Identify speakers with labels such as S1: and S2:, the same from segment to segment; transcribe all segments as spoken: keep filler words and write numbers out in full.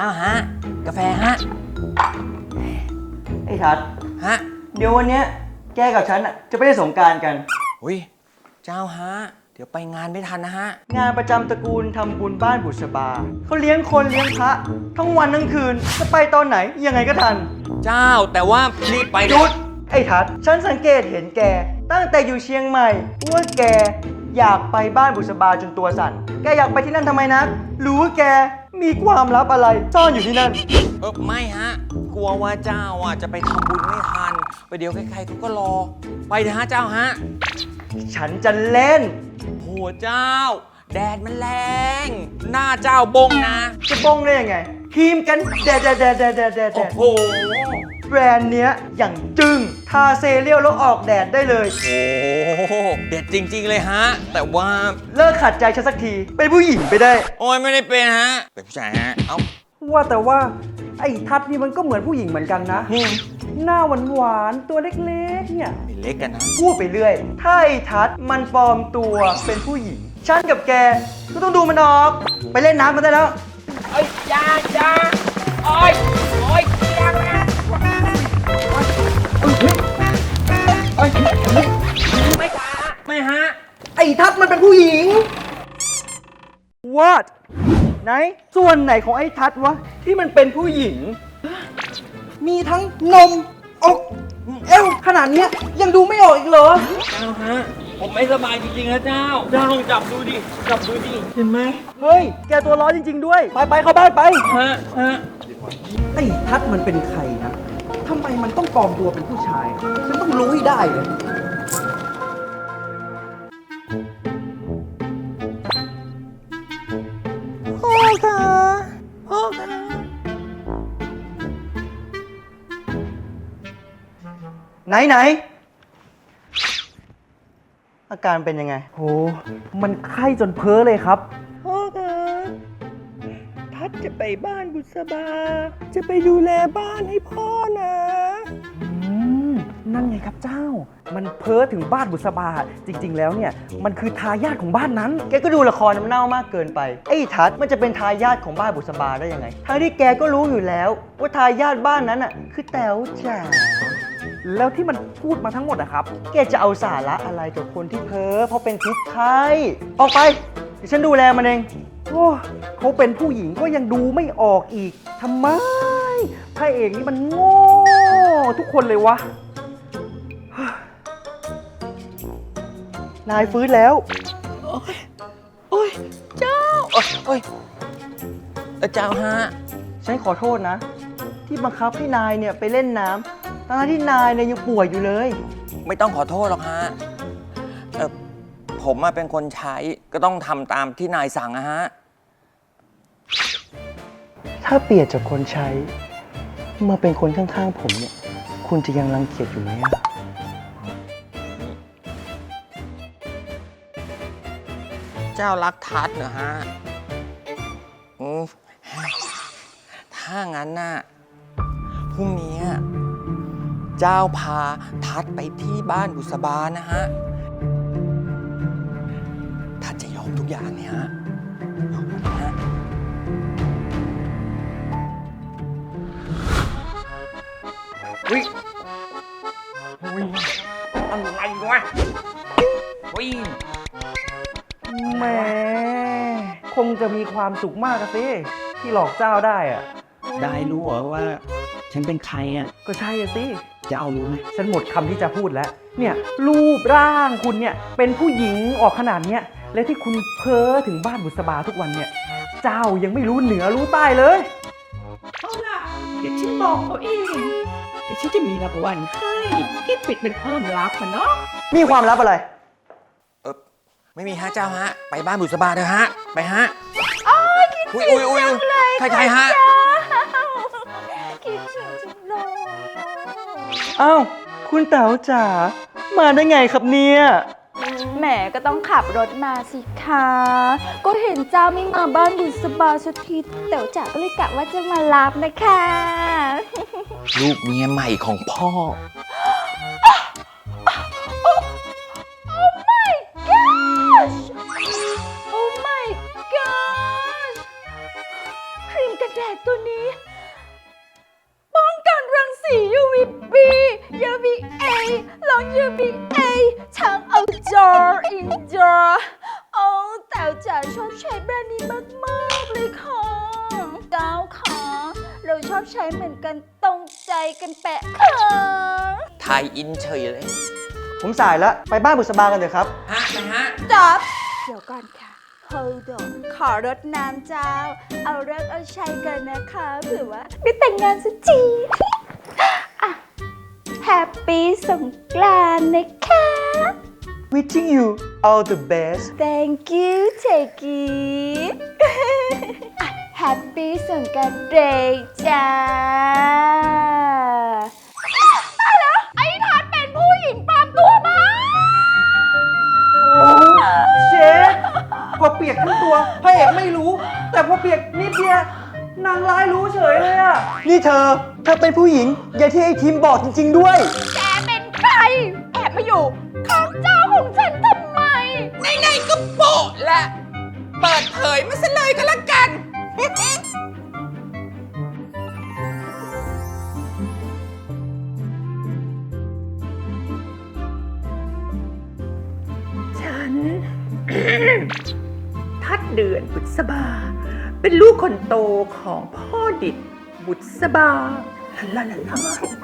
S1: จ้าฮะกาแฟฮะ
S2: ไอ้ทัศ
S1: ฮะ
S2: เดี๋ยววันเนี้ยแกกับฉันอะจะไปเล่นสงกรานต์กัน
S1: อุ้ยเจ้าฮะเดี๋ยวไปงานไม่ทันนะฮะ
S2: งานประจำตระกูลทำบุญบ้านบุษบาเขาเลี้ยงคนเลี้ยงพระทั้งวันทั้งคืนจะไปตอนไหนยังไงก็ทัน
S1: เจ้าแต่ว่ารีบไป
S2: หยุดไอ้ทัศฉันสังเกตเห็นแกตั้งแต่อยู่เชียงใหม่ว่าแกอยากไปบ้านบุษบาจนตัวสั่นแกอยากไปที่นั่นทำไมนะรู้ว่าแกมีความลับอะไรซ่อนอยู่ที่นั่น
S1: เออไม่ฮะกลัวว่าเจ้าอ่ะจะไปทำบุญไม่ทันไปเดี๋ยวใครๆเขาก็รอไปเถอะฮะเจ้าฮะ
S2: ฉันจะเล่น
S1: โหเจ้าแดดมันแรงหน้าเจ้าบงนะ
S2: จะบงได้ยังไงครีมกันแดดแดดแดดแดดแดดแดด
S1: โอ้โห
S2: แบรนด์เนี้ยอย่างจึ้งทาเซเรียลแล้วออกแดดได้เลย
S1: โอ้เด็ดจริงๆเลยฮะแต่ว่า
S2: เลิกขัดใจฉันสักทีเป็นผู้หญิงไปได้
S1: โอ้ยไม่ได้เป็นฮะเป็นผู้ชายฮะเอ้า
S3: ว่าแต่ว่าไอ้ทัดนี่มันก็เหมือนผู้หญิงเหมือนกันนะหน้าหวานหวานตัวเล็กๆเนี่ย
S1: ไม่เล็กกันนะ
S2: พูดไปเรื่อยถ้าไอ้ทัดมันปลอมตัวเป็นผู้หญิงฉันกับแกก็ต้องดูมันออกไปเล่นน้ำกันได้แล้ว
S1: เอ้ยยายาโอ้ยโอ้ยยามาไม่ค่ะไม่ฮะ
S2: ไอ้ทัดมันเป็นผู้หญิง What ไหนส่วนไหนของไอ้ทัดวะที่มันเป็นผู้หญิงมีทั้งนมอกเอวขนาดนี้ยังดูไม่ออกอีกเหรอ
S1: เจ้าฮะผมไม่สบายจริงๆนะเจ้าเจ้าลองจับดูดิจับดูดิเห็นไหม
S2: เฮ้ยแกตัวร้อนจริงๆด้วยไปไปเข้าบ้านไป
S1: ฮะฮะ
S3: ไอ้ทัดมันเป็นใครนะทำไมมันต้องปลอมตัวเป็นผู้ชายฉันต้องรู้ให้ได้เลย
S2: พ่อค่ะพ่อค่ะไหนไหนอาการเป็นยังไง
S3: โหมันไข้จนเพ้อเลยครับ
S2: พ่อคะทัดจะไปบ้านบุษบาจะไปดูแลบ้านให้พ่อนะ
S3: อืมนั่นไงครับเจ้ามันเพ้อถึงบ้านบุษบาจริงๆแล้วเนี่ยมันคือทายาทของบ้านนั้น
S2: แกก็ดูละครน้ำเน่ามากเกินไปไอ้ทัดมันจะเป็นทายาทของบ้านบุษบาได้ยังไงทั้งที่แกก็รู้อยู่แล้วว่าทายาทบ้านนั้นอ่ะคือแต๋วจ๋า
S3: แล้วที่มันพูดมาทั้งหมดอะครับ
S2: แกจะเอาสาระอะไรกับคนที่เพ้อเพราะเป็นพิษไข้ออกไปเดี๋ยวฉันดูแลมันเอง
S3: โอ้เขาเป็นผู้หญิงก็ยังดูไม่ออกอีกทำไมพระเอกนี่มันโง่ทุกคนเลยวะ
S2: นายฟื้นแล้ว
S1: โอ้ยโอ้ยเจ้าโอ้ยโอ้ยเจ้าฮะ
S2: ฉันขอโทษนะที่บังคับให้นายเนี่ยไปเล่นน้ำทั้งที่นายเนี่ยยังป่วยอยู่เลย
S1: ไม่ต้องขอโทษหรอกฮะเออผมมาเป็นคนใช้ก็ต้องทำตามที่นายสั่งนะฮะ
S2: ถ้าเปลี่ยนจากคนใช้มาเป็นคนข้างๆผมเนี่ยคุณจะยังรังเกียจอยู่ไหมอะ
S1: เจ้ารักทัดเหรอฮะอืมถ้างั้นน่ะพรุ่งนี้เจ้าพาทัดไปที่บ้านบุษบานะฮะทัดจะยอมทุกอย่างเนี่ยฮะยอมนะฮะวิวิอะไรวะวิ
S3: แหมคงจะมีความสุขมากสิที่หลอกเจ้าได้อะ
S4: ได้รู้เหรอว่าฉันเป็นใครอ่ะ
S3: ก็ใช่สิ
S4: จะเอารู้ไหม
S3: ฉันหมดคำที่จะพูดแล้วเนี่ยรูปร่างคุณเนี่ยเป็นผู้หญิงออกขนาดเนี้ยและที่คุณเพ้อถึงบ้านบุษบาทุกวันเนี่ยเจ้ายังไม่รู้เหนือรู้ใต้เลย
S4: เอาล่ะเดี๋ยวฉันบอกเขาเองเดี๋ยวฉันจะมีรางวัลให้ที่ปิดเป็นความลับมันเนาะ
S2: มีความลับอะไร
S1: เออไม่มีฮะเจ้าฮะไปบ้านบุษบาเถอะฮะไปฮะ
S5: อ๋อคิดถึงจังเลย
S1: ใครใครฮะ
S5: คิดถึงจังเลย
S2: อ้าวคุณเต๋าจ๋ามาได้ไงครับเนี่ย
S5: แหมก็ต้องขับรถมาสิคะก็เห็นเจ้าไม่มาบ้านบุษบาสักทีเต๋วจ๋าก็เลยกะว่าจะมารับนะคะ
S1: ลูกเมียใหม่ของพ่อ
S5: ครีมกันแดดตัวนี้จอโอ้แต่จ๋าชอบใช้แบรนด์นี้มากๆเลยค่ะเจ้าค่ะเราชอบใช้เหมือนกันตรงใจกันแปะค่ะ
S1: ไทยอินเฉยเลย
S2: ผมสายแล้วไปบ้านบุษบากันเถอะครับ
S1: ฮะไปฮะ
S5: จ๊อบเดี๋ยวก่อนค่ะ Hold on ขอรดน้ำเจ้า เอาเลิกเอาใช้กันนะคะเผื่อว่าได้แต่งงานสักทีอ่ะแฮปปี้สงกรานต์นะคะ
S2: Wishing you all the best
S5: Thank you เทกี้อ่ะแฮปปี้สงกรานต์เดย์จ้าตายแล้วไอ้ทัดเป็นผู้หญิงปลอมตัวมา
S3: เชฟพอเปียกทั้งตัวพระเอกไม่รู้ แต่พอเปียกนิดเดียวนางร้ายรู้เฉยเลยอะ
S2: นี่เธอเธอเป็นผู้หญิงอย่างที่ไอ้ทีมบอกจริงๆด้วย
S5: แกเป็นใคร แอบมาอยู่ข้างเจ้าของฉันทำไม
S1: ไหนๆก็โปะละเปิดเผยมาซะเลยก็แล้วกัน
S4: ฉัน ทัดเดือนบุษบา เป็นลูกคนโตของพ่อดิดบุษบาลาลาลาน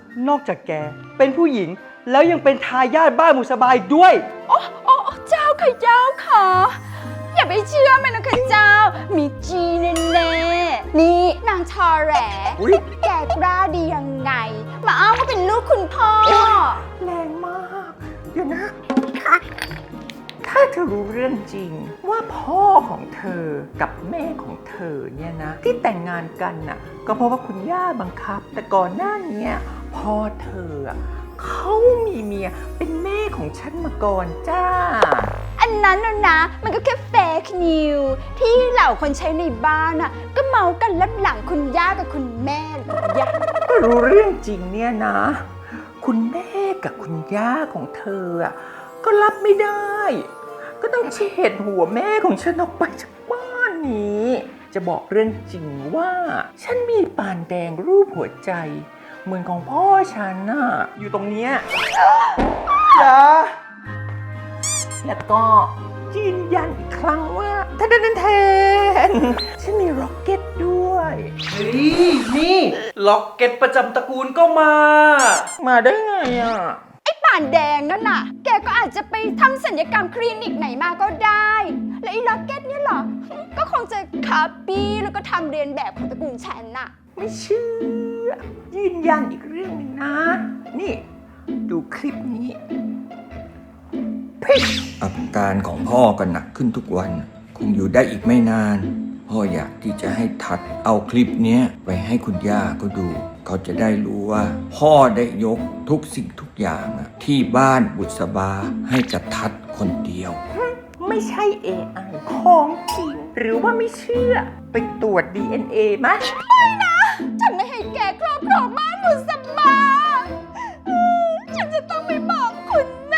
S2: อกจากแกเป็นผู้หญิงแล้วยังเป็นทายาทบ้านบุษบาอีกด้วย
S5: โอ้โอ้โอ้เจ้าค่ะเจ้าค่ะ อย่าไปเชื่อมันนะคะเจ้า มีจีแน่ๆนี่นางชอแหลแกกล้าดียังไง มาอ้างว่าเป็นลูกคุณพ่อ
S4: แรงมาก เดี๋ยวนะ ถ้าเธอรู้เรื่องจริงว่าพ่อของเธอกับแม่ของเธอเนี่ยนะ ที่แต่งงานกันน่ะ ก็เพราะว่าคุณย่าบังคับ แต่ก่อนหน้านี้พ่อเธออะเขามีเมียเป็นแม่ของฉันมาก่อนจ้า
S5: อันนั้นน่ะนะ มันก็แค่เฟกนิวที่เหล่าคนใช้ในบ้านน่ะ ก็เมากันลับหลังคุณย่ากับคุณแม่ย่า
S4: ก็รู้เรื่องจริงเนี่ยนะ คุณแม่กับคุณย่าของเธออะก็รับไม่ได้ ก็ต้องเฉดหัวแม่ของฉันออกไปจากบ้านนี้ จะบอกเรื่องจริงว่า ฉันมีปานแดงรูปหัวใจ เหมือนของพ่อฉันน่ะอยู่ตรงเนี้ย
S2: จ้า
S4: แล้วก็ยืนยันอีกครั้งว่าทนนแทนฉันมีร็อกเก็ตด้วย
S3: เฮ้ยนี่ล็อกเก็ตประจำตระกูลก็มา
S4: มาได้ไงอ่ะ
S5: ไอ้ป่านแดงนั่นน่ะ แกก็อาจจะไปทำศัลยกรรมคลินิกไหนมาก็ได้ และไอ้ล็อกเก็ตเนี่ยเหรอ ก็คงจะคาปี้แล้วก็ทำเรียนแบบของตระกูลฉันน่ะ
S4: ไม่เชื่อ ยืนยันอีกเรื่องหนึงนะ นี่ ดูคลิปนี้พิช
S6: อาการของพ่อก็หนักขึ้นทุกวัน คงอยู่ได้อีกไม่นาน พ่ออยากที่จะให้ทัดเอาคลิปเนี้ยไปให้คุณย่าก็ดู เขาจะได้รู้ว่า พ่อได้ยกทุกสิ่งทุกอย่างอะที่บ้านบุษบาให้กับทัดคนเดียว
S4: ไม่ใช่ เอ ไอ ของจริง หรือว่าไม่เชื่อ ไปตรวจ ดี เอ็น เอ ไหม
S5: ฉันไม่ให้แกครอบครองบ้านบุษบาฉันจะต้องไปบอกคุณแม่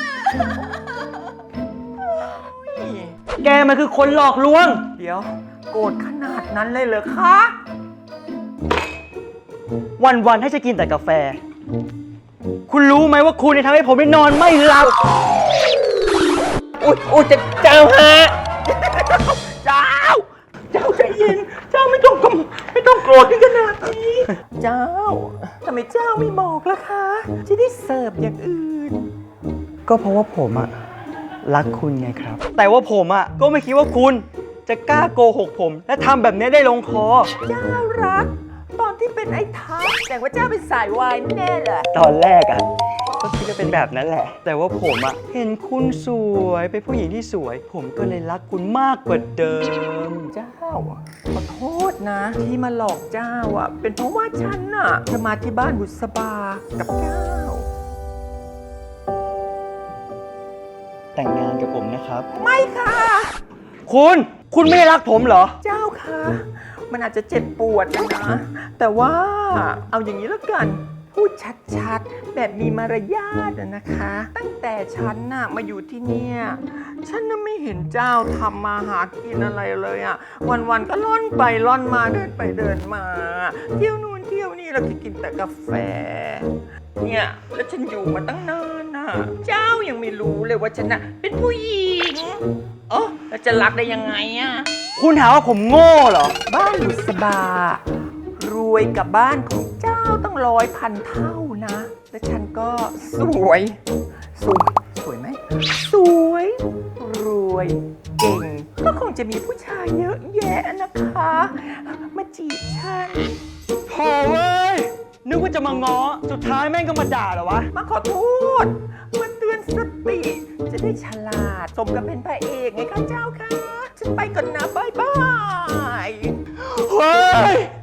S2: แกมันคือคนหลอกลวง
S4: เดี๋ยว โกรธขนาดนั้นเลยเหรอคะ
S2: วันๆให้จะกินแต่กาแฟ คุณรู้ไหมว่าคุณเนี่ยทำให้ผมได้นอนไม่หลับ
S4: อุ๊ยอุ๊ยจะเจ้าฮะ เจ้า เจ้าใจเย็น เจ้าไม่ต้องกำไม่ต้องโกรธถึงขนาดนี้ เจ้าทำไมเจ้าไม่บอกล่ะคะ จะได้เสิร์ฟอย่างอื่น
S2: ก็เพราะว่าผมอะรักคุณไงครับ แต่ว่าผมอะก็ไม่คิดว่าคุณจะกล้าโกหกผม และทำแบบนี้ได้ลงคอ
S4: เจ้ารัก ตอนที่เป็นไอ้ทัพแต่ว่าเจ้าเป็นสายวายแน่เลย
S2: ตอนแรกอะก็คิดว่าเป็นแบบนั้นแหละ แต่ว่าผมอะเห็นคุณสวยเป็นผู้หญิงที่สวย ผมก็เลยรักคุณมากกว่าเดิม
S4: เจ้าขอโทษนะ ที่มาหลอกเจ้าอ่ะ เป็นเพราะว่าฉันน่ะจะมาที่บ้านบุษบากับเจ้า
S2: แต่งงานกับผมนะครับ
S4: ไม่ค่ะ
S2: คุณ คุณไม่รักผมเหรอ
S4: เจ้าค่ะ มันอาจจะเจ็บปวดนะ แต่ว่าเอาอย่างนี้แล้วกัน พูดชัดๆ แบบมีมารยาทอะนะคะ ตั้งแต่ฉันน่ะมาอยู่ที่เนี่ย ฉันน่ะไม่เห็นเจ้าทำมาหากินอะไรเลยอ่ะ วันๆก็ล่อนไปล่อนมาเดินไปเดินมา เที่ยวนู่นเที่ยวนี่แล้วก็กินแต่กาแฟเนี่ยแล้วฉันอยู่มาตั้งนานน่ะ เจ้ายังไม่รู้เลยว่าฉันน่ะเป็นผู้หญิงเออแล้วจะรักได้ยังไงอะ
S2: คุณหาว่าผมโง่เหรอ
S4: บ้านบุษบารวยกับบ้านของเจ้าต้องร้อยพันเท่านะ และฉันก็สวย สวย สวยไหม สวย รวย เก่ง ก็คงจะมีผู้ชายเยอะแยะนะคะ มาจีบฉัน
S2: โถ่เว้ย นึกว่าจะมาง้อ สุดท้ายแม่งก็มาด่าเหรอวะ
S4: มาขอโทษ มาเตือนสติ จะได้ฉลาด สมกับเป็นพระเอกไงคะเจ้าค่ะ ฉันไปก่อนนะ บ๊ายบาย
S2: เฮ้ย